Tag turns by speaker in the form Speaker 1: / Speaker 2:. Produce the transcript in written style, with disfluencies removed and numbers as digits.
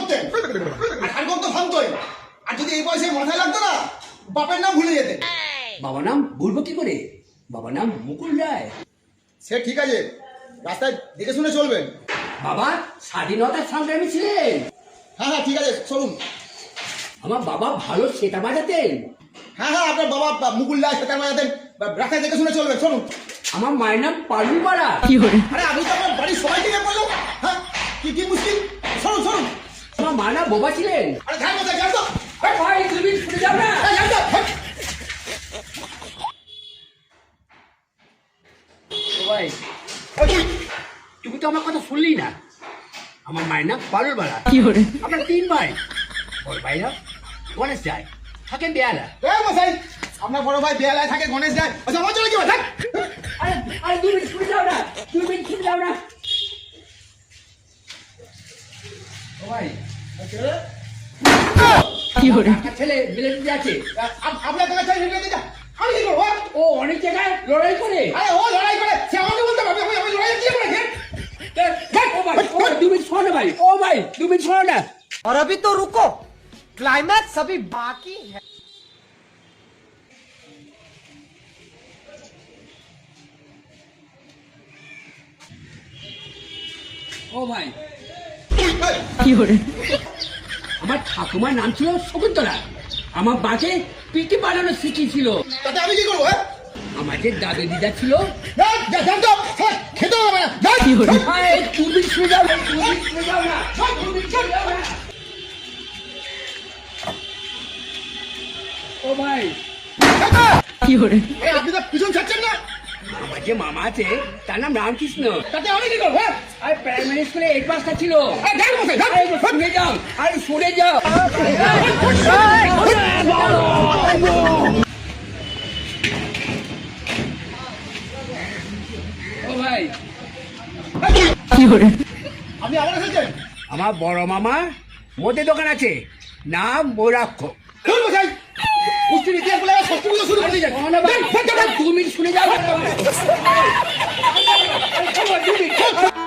Speaker 1: করতেন, আর হাড়গোড় তো ভাঙতোই। আর যদি এই বয়সে মাথায় লাগতো না, বাপের নাম ভুলে যেতেন।
Speaker 2: বাবার নাম বলবো কি করে? বাবার নাম মুকুল রায়।
Speaker 1: সে ঠিক আছে, রাস্তায় দেখে শুনে চলবেন।
Speaker 2: বাবা স্বাধীনতার সংগ্রামী ছিলেন।
Speaker 1: হ্যাঁ হ্যাঁ ঠিক আছে, চলুন।
Speaker 2: আমার বাবা ভালো সেটা বাজাতেন।
Speaker 1: হ্যাঁ হ্যাঁ, আপনার বাবা মুকুল রায় সেটা বাজাতেন। রাস্তায় দেখে শুনে চলবেন, চলুন।
Speaker 2: আমার মায়ের নাম পালু পাড়া।
Speaker 1: আরে আমি তো আপনার বাড়ির সবাইকে নিয়ে বললাম। হ্যাঁ, কি মুশকিল, চলুন চলুন।
Speaker 2: আমার মা না বোবা ছিলেন।
Speaker 1: আরে ধ্যান মতো যান তো।
Speaker 2: ভাই তুমি ছুটে যাও না।
Speaker 1: যান তো।
Speaker 2: ভাই তুমি তো আমার কথা শুনলি না। আমার মায়ের নাম পালুর পাড়া। আমরা 3 ভাই। বড় ভাইরা গণেশ যায়, থাকেন বেয়ালা।
Speaker 1: মশাই, আপনার বড় ভাই বেয়ালায় থাকে, গণেশ যায়। আচ্ছা আমার চলে কি ভাই?
Speaker 2: আরে আরে 2 মিনিট ছুটে যাও না, 2 মিনিট ছুটে যাও না। ভাই একটা ছেলে মিলিটারিতে আছে।
Speaker 1: আপনার কাছে আমি কি করবো?
Speaker 2: ও অনেক জায়গায় লড়াই করে।
Speaker 1: আরে ও লড়াই করে, সে আমাকে বলতে পারবে আমি লড়াই কি করে?
Speaker 2: ও ভাই 2 মিনিট শোনো না ভাই। ও ভাই 2 মিনিট শোনো না।
Speaker 3: और अभी तो रुको, क्लाइमैक्स अभी बाकी है।
Speaker 2: ও ভাই আমার ঠাকুমার নাম ছিল শকুন্তলা। আমার বাকে পিটি বানানো শিখিয়েছিল।
Speaker 1: তাতে আমি কি করবো?
Speaker 2: আমার যে দাদু দিদা ছিল।
Speaker 1: খেতে হবে না।
Speaker 2: তুমি শুনে যাও না, তুমি শুনে যাও না, তুমি শুনে যাও না। ও ভাই
Speaker 1: আপনি তো পিছন ছাড়ছেন না।
Speaker 2: আমার যে মামা আছে তার নাম রামকৃষ্ণ।
Speaker 1: তাতে আমি কি করবো?
Speaker 2: আর প্রাইমারি স্কুলে 8 মাস্টার ছিল।
Speaker 1: শুনে
Speaker 2: শুনে যাও, আরে শুনে যাও। ও ভাই
Speaker 1: আপনি আবার এসেছেন?
Speaker 2: আমার বড় মামা মদের দোকান আছে, নাম মোরাক্ষ।
Speaker 1: কুস্তির ইতিহাস বলে সত্যি পুজো শুরু করে দিয়েছেন।
Speaker 2: 2 মিনিট শুনে যাও।